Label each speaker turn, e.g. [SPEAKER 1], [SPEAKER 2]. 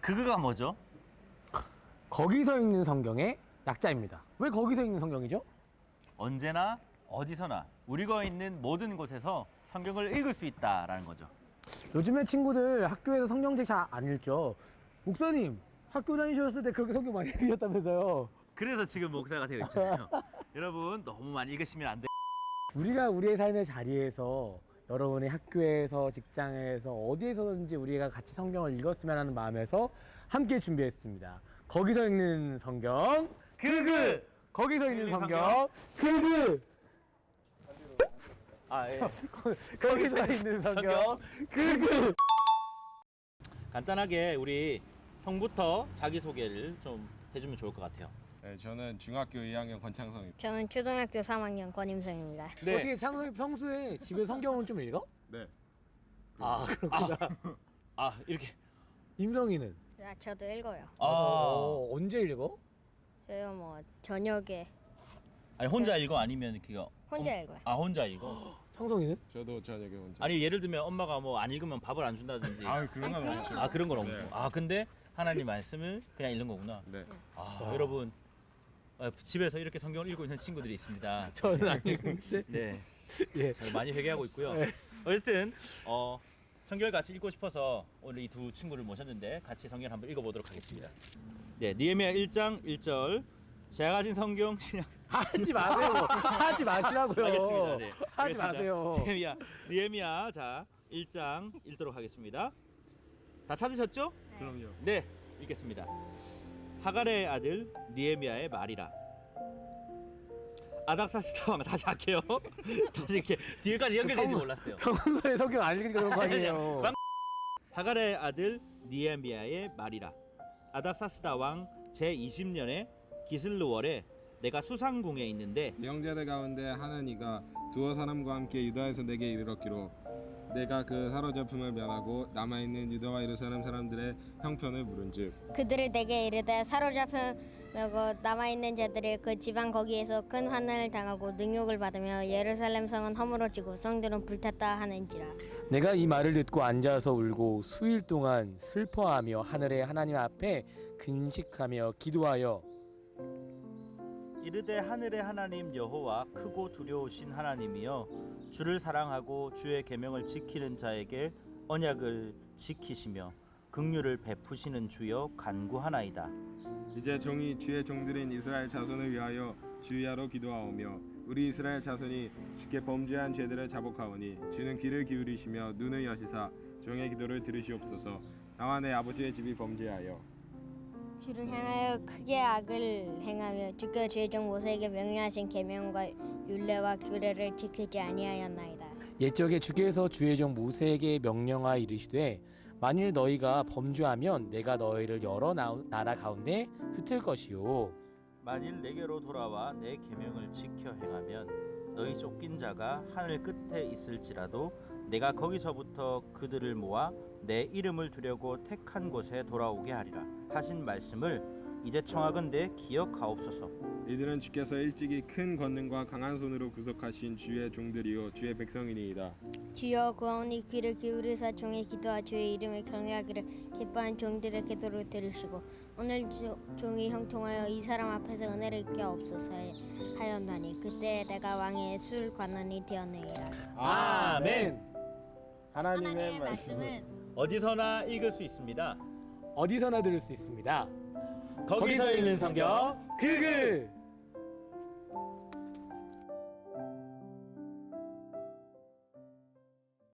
[SPEAKER 1] 그거가 뭐죠?
[SPEAKER 2] 거기서 읽는 성경의 약자입니다. 왜 거기서 읽는 성경이죠?
[SPEAKER 1] 언제나 어디서나 우리가 있는 모든 곳에서 성경을 읽을 수 있다라는 거죠.
[SPEAKER 2] 요즘에 친구들 학교에서 성경책 잘 안 읽죠. 목사님, 학교 다니셨을 때 그렇게 성경 많이 읽으셨다면서요.
[SPEAKER 1] 그래서 지금 목사가 되어 있잖아요. 여러분 너무 많이 읽으시면 안 돼요.
[SPEAKER 2] 우리가 우리의 삶의 자리에서 여러분의 학교에서 직장에서 어디에서든지 우리가 같이 성경을 읽었으면 하는 마음에서 함께 준비했습니다. 거기서 읽는 성경 거기서 읽는 성경
[SPEAKER 1] 아 예.
[SPEAKER 2] 거기서 읽는 성경
[SPEAKER 1] 간단하게 우리 형부터 자기 소개를 좀 해주면 좋을 것 같아요.
[SPEAKER 3] 네, 저는 중학교 2학년 권창성입니다.
[SPEAKER 4] 저는 초등학교 3학년 권임성입니다.
[SPEAKER 1] 네.
[SPEAKER 2] 어떻게 창성이 평소에 집에 성경은 좀 읽어?
[SPEAKER 3] 네.
[SPEAKER 2] 아 그렇구나.
[SPEAKER 1] 아 이렇게.
[SPEAKER 2] 임성이는?
[SPEAKER 4] 아, 저도 읽어요.
[SPEAKER 2] 언제 읽어?
[SPEAKER 4] 저요 뭐 저녁에
[SPEAKER 1] 아니 혼자 읽어 아니면 그거
[SPEAKER 4] 혼자 읽어요.
[SPEAKER 1] 아 혼자 읽어.
[SPEAKER 2] 창성이는?
[SPEAKER 3] 저도 저녁에 혼자.
[SPEAKER 1] 아니 예를 들면 엄마가 뭐 안 읽으면 밥을 안 준다든지.
[SPEAKER 3] 그런 건 아니죠.
[SPEAKER 1] 아 그런 건 없고.
[SPEAKER 3] 네.
[SPEAKER 1] 아 근데 하나님 말씀을 그냥 읽는 거구나.
[SPEAKER 3] 네.
[SPEAKER 1] 아 여러분 집에서 이렇게 성경을 읽고 있는 친구들이 있습니다.
[SPEAKER 2] 저는 안 읽는데.
[SPEAKER 1] 네.
[SPEAKER 2] 예.
[SPEAKER 1] 잘 많이 회개하고 있고요.
[SPEAKER 2] 네.
[SPEAKER 1] 어쨌든 성경을 같이 읽고 싶어서 오늘 이 두 친구를 모셨는데 같이 성경을 한번 읽어보도록 하겠습니다. 네, 느헤미야 1장 1절. 제가 가진 성경 신약.
[SPEAKER 2] 하지 마세요. 하지 마시라고요.
[SPEAKER 1] 알겠습니다. 네.
[SPEAKER 2] 하지
[SPEAKER 1] 알겠습니다.
[SPEAKER 2] 마세요.
[SPEAKER 1] 느헤미야 자 1장 읽도록 하겠습니다. 다 찾으셨죠?
[SPEAKER 3] 그럼요.
[SPEAKER 1] 네, 읽겠습니다. 하갈의 아들 느헤미야의 말이라. 아닥사스다 왕 다시 할게요. 다시 이렇게 뒤에까지 연결될지 몰랐어요.
[SPEAKER 2] 평소에 성경 안 읽으니까 그런 거 아니에요.
[SPEAKER 1] 하갈의 아들 느헤미야의 말이라. 아닥사스다 왕 제20년에 기슬르월에 내가 수상궁에 있는데
[SPEAKER 3] 형제들 가운데 하나니가 두어 사람과 함께 유다에서 내게 이르렀기로 내가 그 사로잡힘을 면하고 남아있는 유다와 예루살렘 사람들의 형편을 물은즉
[SPEAKER 4] 그들을 내게 이르되 사로잡혀고 남아있는 자들이 그 지방 거기에서 큰 환난을 당하고 능욕을 받으며 예루살렘 성은 허물어지고 성들은 불탔다 하는지라.
[SPEAKER 2] 내가 이 말을 듣고 앉아서 울고 수일 동안 슬퍼하며 하늘의 하나님 앞에 근식하며 기도하여
[SPEAKER 1] 이르되 하늘의 하나님 여호와 크고 두려우신 하나님이여 주를 사랑하고 주의 계명을 지키는 자에게 언약을 지키시며 긍휼을 베푸시는 주여 간구하나이다.
[SPEAKER 3] 이제 종이 주의 종들인 이스라엘 자손을 위하여 주야로 기도하오며 우리 이스라엘 자손이 주께 범죄한 죄들을 자복하오니 주는 귀를 기울이시며 눈을 여시사 종의 기도를 들으시옵소서. 나와 내 아버지의 집이 범죄하여
[SPEAKER 4] 주를 향하여 크게 악을 행하며 주께 주의 종 모세에게 명령하신 계명과 율례와 규례를 지키지 아니하였나이다.
[SPEAKER 2] 옛적에 주께서 주의 종 모세에게 명령하여 이르시되 만일 너희가 범죄하면 내가 너희를 여러 나라 가운데 흩을 것이요
[SPEAKER 1] 만일 내게로 돌아와 내 계명을 지켜 행하면 너희 쫓긴 자가 하늘 끝에 있을지라도 내가 거기서부터 그들을 모아 내 이름을 두려고 택한 곳에 돌아오게 하리라 하신 말씀을 이제 청하건대 기억하옵소서.
[SPEAKER 3] 이들은 주께서 일찍이 큰 권능과 강한 손으로 구속하신 주의 종들이요 주의 백성이니이다.
[SPEAKER 4] 주여 구하오니 귀를 기울이사 종의 기도와 주의 이름을 경외하기를 기뻐한 종들의 기도를 들으시고 오늘 종이 형통하여 이 사람 앞에서 은혜를 입게 없소서 하였나니 그때 내가 왕의 술 관원이 되었느니라.
[SPEAKER 1] 아멘.
[SPEAKER 2] 하나님의
[SPEAKER 4] 말씀은
[SPEAKER 1] 어디서나 읽을 수 있습니다.
[SPEAKER 2] 어디서나 들을 수 있습니다.
[SPEAKER 1] 거기서 읽는 성경
[SPEAKER 2] 그그